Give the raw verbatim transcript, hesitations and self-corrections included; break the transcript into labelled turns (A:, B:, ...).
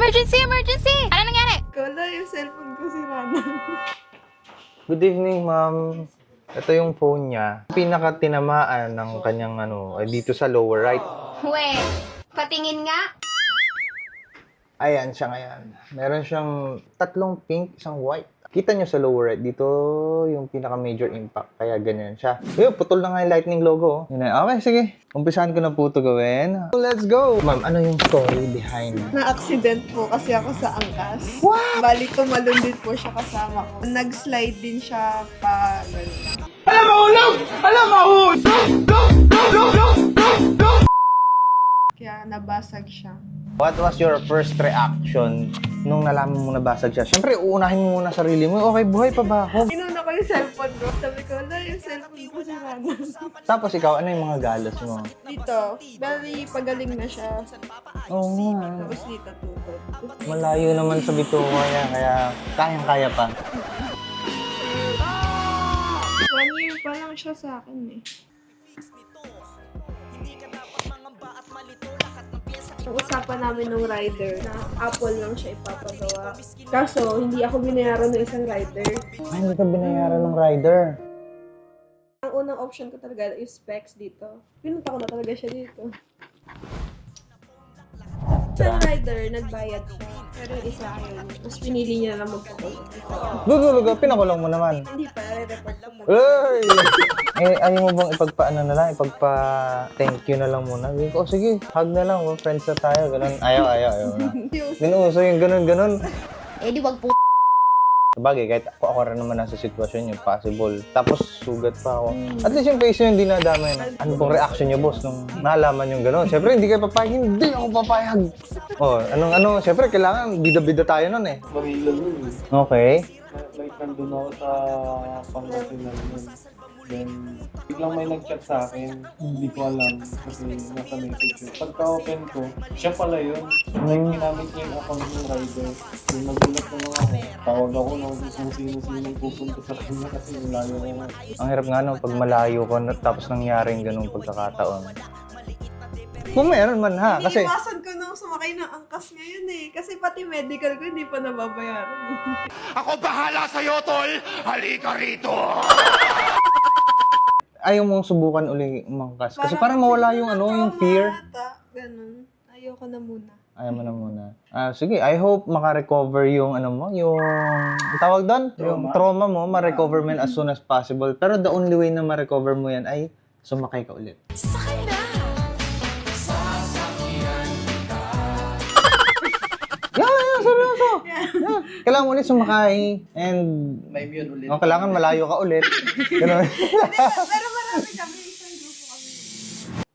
A: Emergency! Emergency! Ano nangyari?
B: Kala yung cellphone ko sira na.
C: Good evening, ma'am. Ito yung phone niya. Pinaka-tinamaan ng kanyang ano, ay dito sa lower right.
A: Wait, patingin nga.
C: Ayan siya ngayon. Meron siyang tatlong pink, isang white. Kita nyo sa lower right, dito yung pinaka-major impact. Kaya ganyan siya. Yun, putol na nga yung lightning logo. Yun na. Okay, sige. Umpisahan ko na po ito gawin. Let's go! Ma'am, ano yung story behind?
B: Na-accident po kasi ako sa angkas.
C: What?
B: Bali, tumalon din po siya kasama ko. Nag-slide din siya pa... Ganun.
C: Alam mo, ulog! Alam mo, ulog!
B: Kaya nabasag siya.
C: What was your first reaction nung nalaman mo nabasag siya? Siyempre, uunahin mo muna sarili mo. Okay, buhay pa ba ako?
B: Inuna ko yung cellphone ko. Sabi ko, na yung cellphone ko sira na.
C: Tapos ikaw, ano yung mga galas mo?
B: Dito, bali, pagaling na siya.
C: Oo nga.
B: Tapos dito, tutod.
C: Malayo naman sa Bituaya, kaya kayang-kaya pa.
B: One year pa lang siya sa akin eh. Ang usapan namin ng rider na Apple lang siya ipapagawa. Kaso, hindi ako binayaran ng isang rider.
C: Ay, hindi ka binayaran ng rider.
B: Ang unang option ko talaga is specs dito. Pinunta ko na talaga siya dito. Isang rider, nagbayad siya. Pero yung isa ayaw niya. Tapos pinili niya na lang magpakulong.
C: Lugulugo, pinakulong mo naman.
B: Hindi pa, re-report ko muna.
C: Ay! Eh, ayaw mo bang ipagpa-ano na lang, ipagpa-thank you na lang muna? Sabi ko, oh, sige, hug na lang, oh, friends na tayo, ganun. Ayaw, ayaw, ayaw na. Dinuuso yung ganun, ganun.
A: Eh di wag po.
C: Sabagay, kahit ako, ako rin naman nasa sitwasyon yun, possible. Tapos, sugat pa ako. At least yung face nyo hindi nadamay na. Ano pong reaction nyo, boss, nung nalaman yung gano'n? Siyempre, hindi kayo papayag. Hindi ako papayag. Oh, anong ano, siyempre, kailangan bida-bida tayo nun eh.
D: Manila nun eh.
C: Okay.
D: Like, nandun ako sa Pangasinan nun. Then, biglang may nag-chat sa akin. Hindi ko alam kasi nasa message yun. Pagka-open ko, siya pala yun. Like, ginamit niya yung account ng rider. Yung nagulat na lang ako. Tawag ako nung kung sino-sino pupunta sa kanya kasi malayo ko nga.
C: Ang hirap nga no, pag malayo ko na- tapos nangyaring ganung pagkakataon. Kung meron man ha, kasi
B: Iniiwasan ko nung sumakay ng angkas ngayon eh. Kasi pati medical ko hindi pa nababayaran eh.
E: Ako bahala sa'yo, tol! Halika rito!
C: ayaw mong subukan uli umangkas. Kasi parang mawala yung ano, yung fear.
B: Ata, ganun. Ayoko na muna.
C: Ayaw mo na muna. Ah, sige, I hope maka-recover yung ano mo, yung ang tawag doon, yung trauma mo, ma-recover mo yan as soon as possible. Pero the only way na ma-recover mo yan ay sumakay ka ulit. Yeah, yeah, seryoso. Yeah. Kailangan mo ulit sumakay and
D: May yun ulit.
C: oh, kailangan malayo ka ulit. Ganun.
B: Pero marami kami